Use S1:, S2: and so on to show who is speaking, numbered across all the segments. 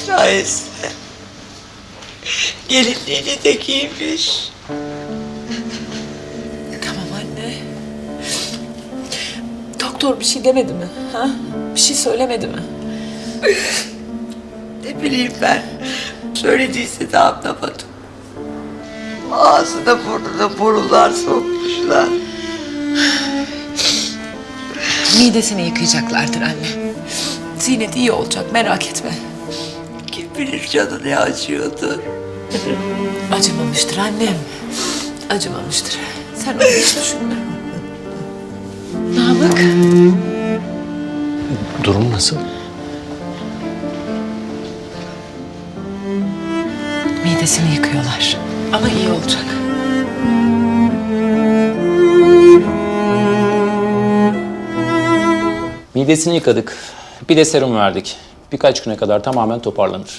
S1: şahesinde. Gelinliğini de giymiş.
S2: Tamam anne. Doktor bir şey demedi mi? Ha? Bir şey söylemedi mi?
S1: Ne bileyim ben. Söylediyse de anlamadım. Ağzına burnuna borular sokmuşlar.
S2: Midesini yıkayacaklardır anne. Zinet iyi olacak, merak etme.
S1: Kim bilir canı ne acıyordur.
S2: Acımamıştır annem. Acımamıştır. Sen onu hiç düşünme. Namık.
S3: Durum nasıl?
S2: Midesini yıkıyorlar. Ama iyi olacak.
S4: Midesini yıkadık. Bir de serum verdik. Birkaç güne kadar tamamen toparlanır.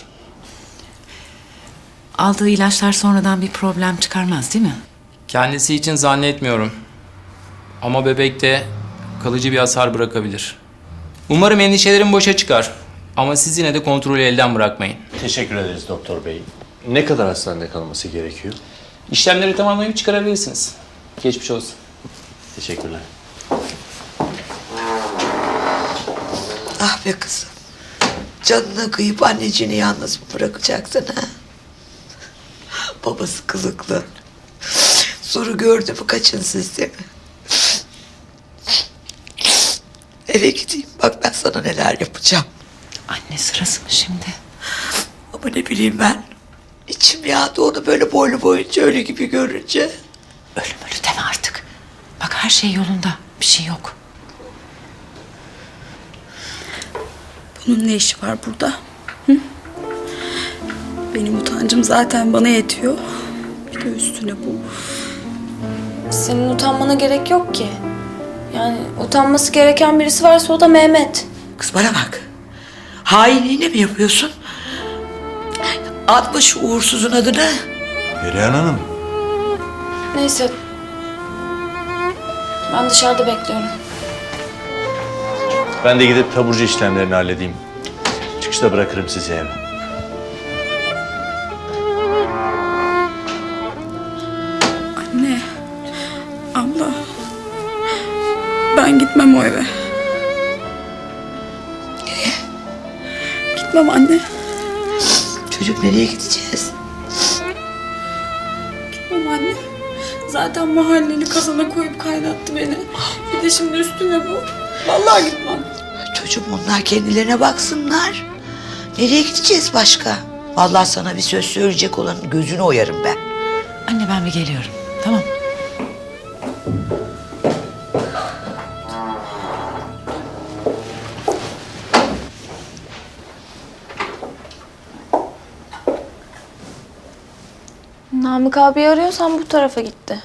S2: Aldığı ilaçlar sonradan bir problem çıkarmaz değil mi?
S5: Kendisi için zannetmiyorum. Ama bebekte kalıcı bir hasar bırakabilir. Umarım endişelerim boşa çıkar. Ama siz yine de kontrolü elden bırakmayın.
S3: Teşekkür ederiz doktor bey. Ne kadar hastanede kalması gerekiyor?
S4: İşlemleri tamamlayıp çıkarabilirsiniz. Geçmiş olsun.
S3: Teşekkürler.
S1: Ah be kızım. Canına kıyıp anneciğini yalnız mı bırakacaksın ha? Babası kılıklı. Zoru gördü mü kaçın siz değil mi? Eve gideyim. Bak ben sana neler yapacağım.
S2: Anne sırası mı şimdi?
S1: Ama ne bileyim ben. İçim yağdı onu böyle boylu boyunca ölü gibi görünce.
S2: Ölüm ölü deme artık. Bak her şey yolunda. Bir şey yok.
S6: Bunun ne işi var burada? Hı? Benim utancım zaten bana yetiyor. Bir de üstüne bu.
S7: Senin utanmana gerek yok ki. Yani utanması gereken birisi varsa o da Mehmet.
S1: Kız bana bak. Hainliğine mi yapıyorsun? Atma şu uğursuzun adını.
S8: Perihan Hanım.
S7: Neyse. Ben dışarıda bekliyorum.
S3: Ben de gidip taburcu işlemlerini halledeyim. Çıkışta bırakırım sizi eve.
S6: Anne, abla. Ben gitmem o eve.
S1: Nereye?
S6: Gitmem anne.
S1: Çocuk nereye gideceğiz?
S6: Gitmem anne. Zaten mahalleli kazana koyup kaynattı beni. Bir de şimdi üstüne bu. Vallahi gitmem.
S1: Çocuğum onlar kendilerine baksınlar. Nereye gideceğiz başka? Vallahi sana bir söz söyleyecek olanın gözünü oyarım ben.
S2: Anne ben bir geliyorum. Tamam.
S7: Namık abi arıyorsan bu tarafa gitti.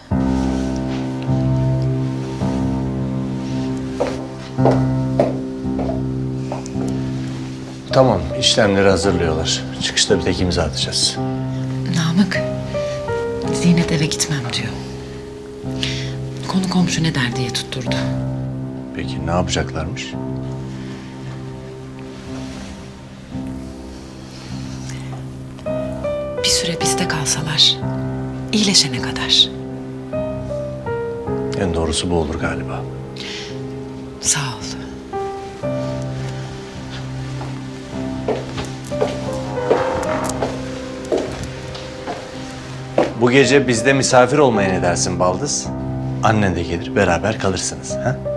S3: Tamam, işlemleri hazırlıyorlar. Çıkışta bir tek imza atacağız.
S2: Namık. Zinet eve gitmem diyor. Konu komşu ne der diye tutturdu.
S3: Peki ne yapacaklarmış?
S2: Bir süre bizde kalsalar. İyileşene kadar.
S3: En doğrusu bu olur galiba.
S2: Sağ ol.
S3: Bu gece bizde misafir olmaya ne dersin Baldız? Annen de gelir, beraber kalırsınız. Ha?